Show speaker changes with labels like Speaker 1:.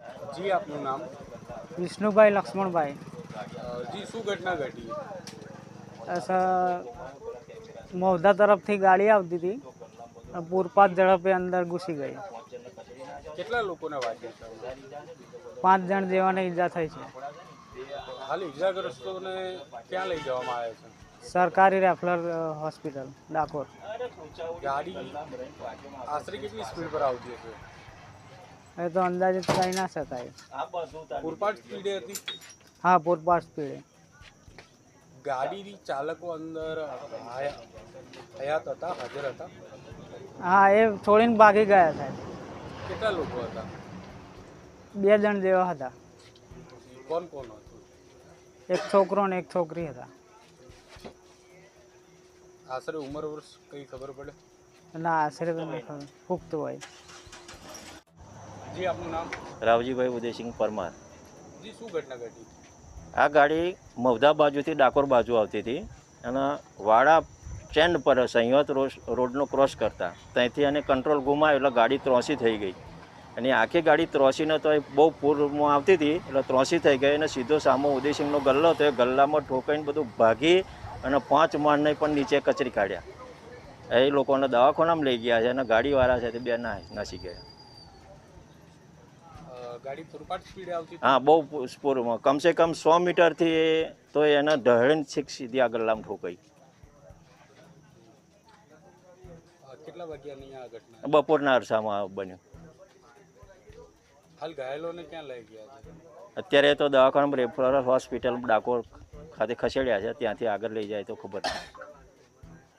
Speaker 1: જી આપનું નામ?
Speaker 2: વિષ્ણુભાઈ લક્ષ્મણભાઈ।
Speaker 1: જી શું ઘટના ઘટી?
Speaker 2: મૌધા તરફથી ગાડી આવતી હતી, પૂરપાટ ઝડપે અંદર ઘૂસી ગઈ।
Speaker 1: કેટલા લોકોને વાગ્યા છે?
Speaker 2: 5 જણ જેવાને ઈજા થઈ છે।
Speaker 1: હાલ ઈજાગ્રસ્તોને ક્યાં લઈ જવામાં આવે છે?
Speaker 2: સરકારી રેફરલ હોસ્પિટલ ડાકોર।
Speaker 1: ગાડી આશરે કેટલી સ્પીડ પર આવતી હશે?
Speaker 2: એ તો અંદાજિત કહી ના શકાય।
Speaker 1: પૂરપાટ સ્પીડે હતી?
Speaker 2: હા, પૂરપાટ સ્પીડે।
Speaker 1: ગાડી ચાલકો અંદર હયાત હતા, હાજર હતા?
Speaker 2: હા, એ છોડીને ભાગી ગયા સાહેબ।
Speaker 1: કેટલા લોકો હતા?
Speaker 2: 2 જણ જેવા હતા।
Speaker 1: કોણ કોણ હતું?
Speaker 2: એક છોકરો ને એક છોકરી હતા।
Speaker 1: આશરે ઉંમર વર્ષ કઈ ખબર પડે?
Speaker 2: ના, આશરે તો નહીં ખબર, પુખ્ત હોય।
Speaker 1: જી આપનું નામ?
Speaker 3: રાવજીભાઈ ઉદયસિંહ પરમાર।
Speaker 1: જી શું ઘટના ઘટી?
Speaker 3: આ ગાડી મૌધા બાજુથી ડાકોર બાજુ આવતી હતી અને વાડા સ્ટેન્ડ પર સંયત રોડનો ક્રોસ કરતા ત્યાંથી એને કંટ્રોલ ગુમાવ્યો એટલે ગાડી ત્રોસી થઈ ગઈ અને આખી ગાડી ત્રોસીને તો એ બહુ પૂરમાં આવતી હતી એટલે ત્રોસી થઈ ગઈ અને સીધો સામો ઉદયસિંહનો ગલ્લો હતો, એ ગલ્લામાં ઠોકાઈને બધું ભાગી અને 5 માણને પણ નીચે કચરી કાઢ્યા। એ લોકોને દવાખાનામાં લઈ ગયા છે અને ગાડીવાળા છે તે 2 નાસી ગયા।
Speaker 1: ગાડી પૂરપાટ સ્પીડે આવતી?
Speaker 3: હા, બહુ સ્પોરમાં, કમસે કમ 100 મીટરથી તો એને ઢળીને સીધી આ ગલ્લામાં ઠોકાઈ।
Speaker 1: કેટલા વાગ્યાની આ ઘટના?
Speaker 3: બપોરના અરસામાં બન્યું।
Speaker 1: હાલ ઘાયલોને ક્યાં લઈ ગયા છે?
Speaker 3: અત્યારે તો દવાખાનામાં રેફરલ હોસ્પિટલ ડાકોર ખાતે ખસેડ્યા છે, ત્યાંથી આગળ લઈ જાય તો ખબર નહીં।